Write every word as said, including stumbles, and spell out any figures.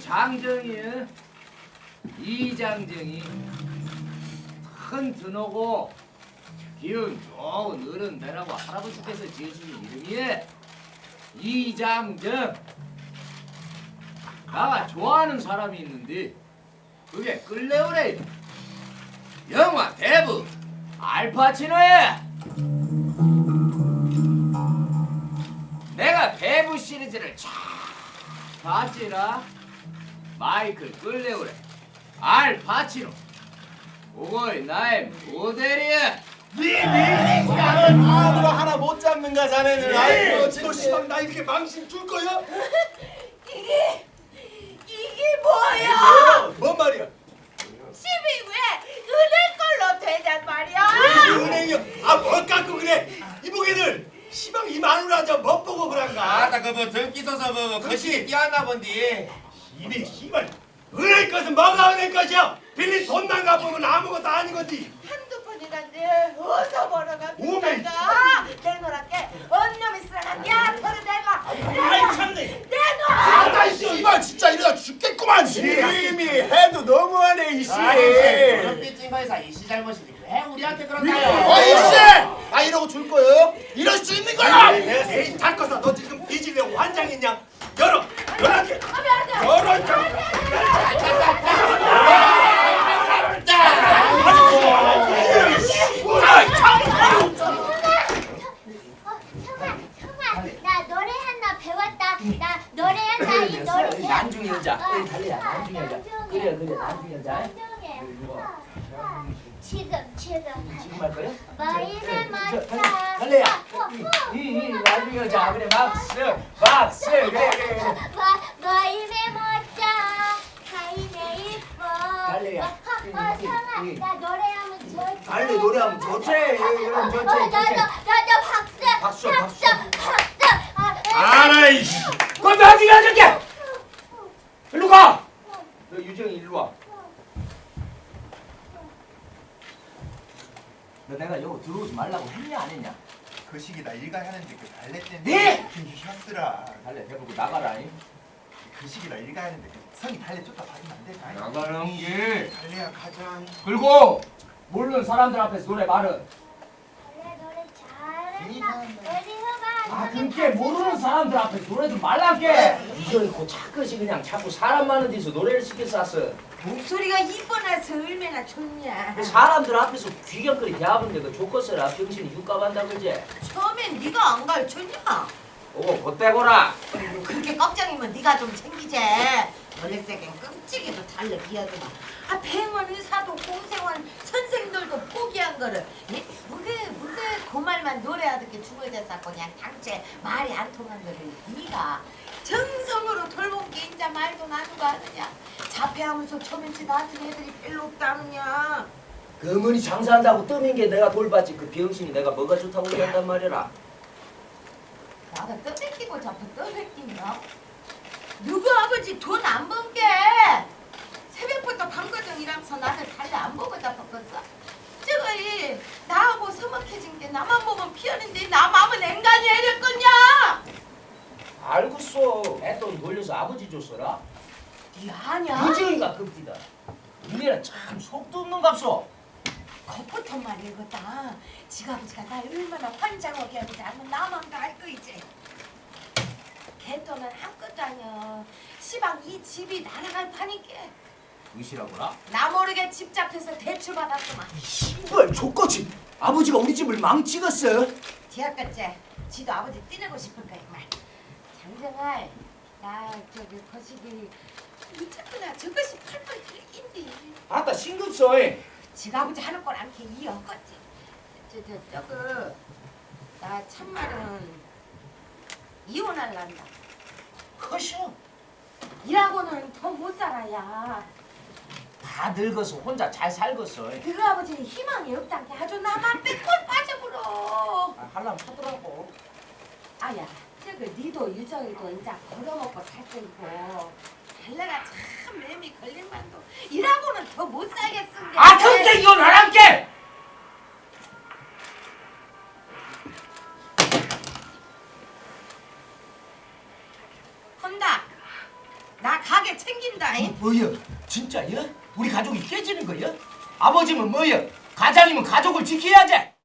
장정이 이장정이 큰 드노고 기운 좋은 어른 되라고 할아버지께서 지으신 이름이에 이장정. 나가 좋아하는 사람이 있는데 그게 끌레오레 영화 대부 알파치노야. 내가 대부 시리즈를 쫙 봤지라. 마이클 끌레오레 알파치노 그거이 나의 모델이야. 니니 아무도 하나 못 잡는가 자네는. 아이고 지금 시방 나 이렇게 망신 줄 거야? 이게 이게 뭐야? 뭔 말이야? 집이 왜 은행 걸로 되냔 말이야? 은행이요? 아뭘 갖고 그래? 이보게들 시방 이 마누라 저못 보고 그런가? 아따 그뭐 등기 서서 뭐 거시기 뛰었나 본디. 이리 씨발 은행 것은 뭐가 은행 것이야? 빌린 돈만 갚으면 아무것도 아닌 건디. 한두 푼이란데 어서 벌어가 오메. 비싸가 내놓을게. 언놈이 쓰라간 야 털을 내가 아이 참네. 내놔. 아따 씨발 진짜 이러다 죽겠구만. 이미 해도 너무하네 이씨. 그런 삐진 거에서 이씨 잘못이지 왜 우리한테 그런가요? 아 이씨! 아 이러고 줄 거예요? 이럴 수 있는 거야? 내가 세인 닦아서 너 지금 뒤지려고 환장했냐? 열어! 열어게! 열어! 나 노래 하나 배웠다. 나 노래한다. 이 노래. 난중 여자. 어, 그래 달리야 난중 여자. 그래 그래 난중 여자. 난중에. 지금 지금. 지금 할 거야? 마이를 저, 맞자. 달래야. 어, 어. 이이 난중 여자. 그래 박수 박수 그래 그래 그래. 마 마이를 맞자. 하이네 이뻐. 달래야. 어, 어, 성아, 나 노래하면 좋지. 달래 노래하면 좋지. 이런 좋지 어, 나도 좋지. 나도 박수. 박수, 박수. 박수. 박수. 아, 아라이씨! 그럼 나중에 해줄게. 일로 가. 너 유정이 일로 와. 너 내가 여기 들어오지 말라고 했냐 안 했냐? 그 시기 나 일가 하는데 그 달래 때문에 네! 현스라 달래 대보고 나가라. 잉. 그 시기 나 일가 하는데 그 성이 달래 쫓다 받으면 안 될까? 나가는 게. 달래야 가자. 그리고 모르는 사람들 앞에서 노래 말은. 노래 노래 잘한다. 어디 해봐. 아 그렇게 모르는 사람들 앞에서 노래 좀 말란게. 이전에 그 차끝이 그냥 자꾸 사람 많은 데서 노래를 시켜서 왔어. 목소리가 이뻐나서 얼마나 좋냐. 그 사람들 앞에서 귀경거리 대하는데 그 조커스라 병신이 육갑한다 그지? 처음엔 네가 안 가르쳤냐? 오고 곧대고라. 아이고, 그렇게 걱정이면 네가 좀 챙기지. 원래세겐 끔찍이도 달래 비하더만. 아 뱅원 의사도 공생원 선생들도 포기한 거를 예? 무게 무게 그 말만 노래하듯게 죽어졌었고 그냥 당체 말이 안 통한 거를 네가 정성으로 돌본 게 인자 말도 나누고 하느냐. 자폐하면서 초면치 낳은 애들이 별로 없다느냐. 그 어머니 장사한다고 떠민 게 내가 돌봤지. 그 병신이 내가 뭐가 좋다고 얘기한단 말이라. 나가 떠뺏기고 자꾸 떠뺏긴다. 누구 아버지 돈 안 번 게 새벽부터 밤거정 일하면서 나를 달래 안 보고 잡았겠어. 저거이 나하고 서먹해진 게 나만 보면 피하는데 나 마음은 앵간히 해렸겠냐. 알겠어. 애돈 돌려서 아버지 줬어라. 네 아냐? 유정이가 급디다. 니네는 참 속도 없는 값소. 겉부터 말이거다. 지가 아버지가 날 얼마나 환장하게 하는지 알면 나만 다 알 거 이제. 걔돈은 아무것도 아니야. 시방 이 집이 날아갈 판이게. 의시라고라? 나 모르게 집 잡혀서 대출 받았구만. 씨발 족거지. 아버지가 우리 집을 망치겠어. 지하까지 지도 아버지 띠내고 싶을 거야 말. 장정아, 나 저기 거시기 이쳤구나. 저것이 팔팔 들긴디. 아따 신경 써. 지가 아버지 하는 걸 않게 이어갔지. 저저 저거 나 참말은 이혼할란다. 허셔. 일하고는 더 못 살아야. 다 늙어서 혼자 잘 살겠어. 그 아버지는 희망이 없단 게 아주 나만 빼골 빠져버려. 아, 하려면 하더라고. 아야, 저거 니도 유정이도 이제 벌어먹고 살 거고 달래가 참 매미 걸릴만도 일하고는 더 못 살겠은 게. 아 그렇게 이혼하란게. 혼다. 나 가게 훌륭하게 챙긴다. 잉? 뭐여? 진짜여? 우리 가족이 깨지는 거여? 아버지면 뭐여? 가장이면 가족을 지켜야지.